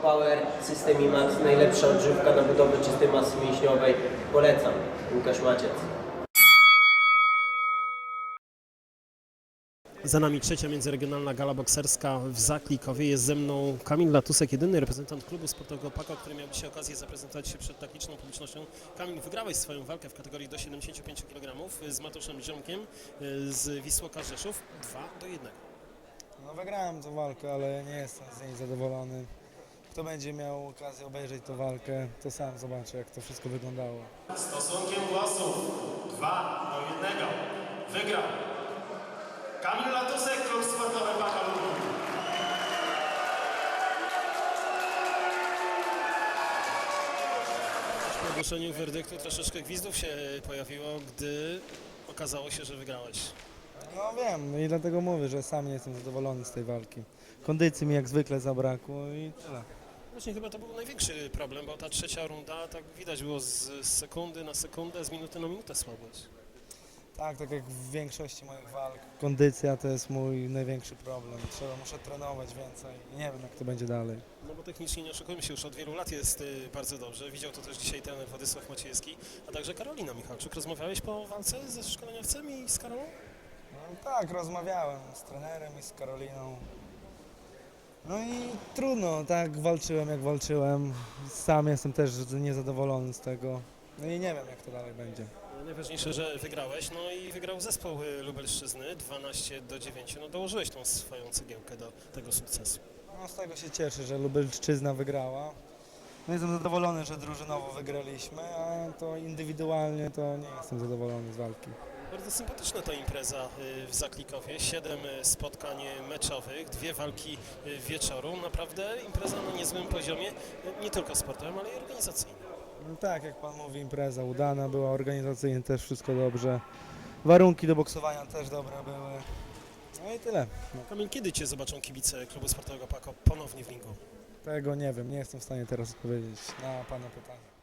Power, System IMAX, najlepsza odżywka na budowę czystej masy mięśniowej. Polecam. Łukasz Maciec. Za nami trzecia międzyregionalna gala bokserska w Zaklikowie. Jest ze mną Kamil Latusek, jedyny reprezentant klubu sportowego PAKO, który miał dzisiaj okazję zaprezentować się przed tak liczną publicznością. Kamil, wygrałeś swoją walkę w kategorii do 75 kg z Mateuszem Ziomkiem z Wisłoka Rzeszów 2-1. No wygrałem tę walkę, ale nie jestem z niej zadowolony. Kto będzie miał okazję obejrzeć tę walkę, to sam zobaczy, jak to wszystko wyglądało. Stosunkiem głosów 2-1 wygrał Kamil Latusek, klub sportowy PAKO Lublin. Po ogłoszeniu werdyktu troszeczkę gwizdów się pojawiło, gdy okazało się, że wygrałeś. No wiem i dlatego mówię, że sam nie jestem zadowolony z tej walki. Kondycji mi jak zwykle zabrakło i tyle. Właśnie chyba to był największy problem, bo ta trzecia runda, tak widać było z sekundy na sekundę, z minuty na minutę słabłeś. Tak jak w większości moich walk. Kondycja to jest mój największy problem. Muszę trenować więcej i nie wiem, jak to będzie dalej. No bo technicznie, nie oszukujmy się, już od wielu lat jest bardzo dobrze. Widział to też dzisiaj trener Władysław Maciejewski, a także Karolina Michalczuk. Rozmawiałeś po walce ze szkoleniowcem i z Karolą? No, tak, rozmawiałem z trenerem i z Karoliną. No i trudno, tak walczyłem jak walczyłem. Sam jestem też niezadowolony z tego. No i nie wiem, jak to dalej będzie. Najważniejsze, że wygrałeś, no i wygrał zespół Lubelszczyzny 12-9. No dołożyłeś tą swoją cegiełkę do tego sukcesu. No z tego się cieszę, że Lubelszczyzna wygrała. No jestem zadowolony, że drużynowo wygraliśmy, a to indywidualnie to nie jestem zadowolony z walki. Bardzo sympatyczna ta impreza w Zaklikowie. 7 spotkań meczowych, 2 walki wieczoru. Naprawdę impreza na niezłym poziomie, nie tylko sportowym, ale i organizacyjnym. No tak, jak pan mówi, impreza udana była, organizacyjnie też wszystko dobrze. Warunki do boksowania też dobre były. No i tyle. No, Kamil, kiedy Cię zobaczą kibice klubu sportowego PAKO ponownie w ringu? tego nie wiem, nie jestem w stanie teraz odpowiedzieć na pana pytanie.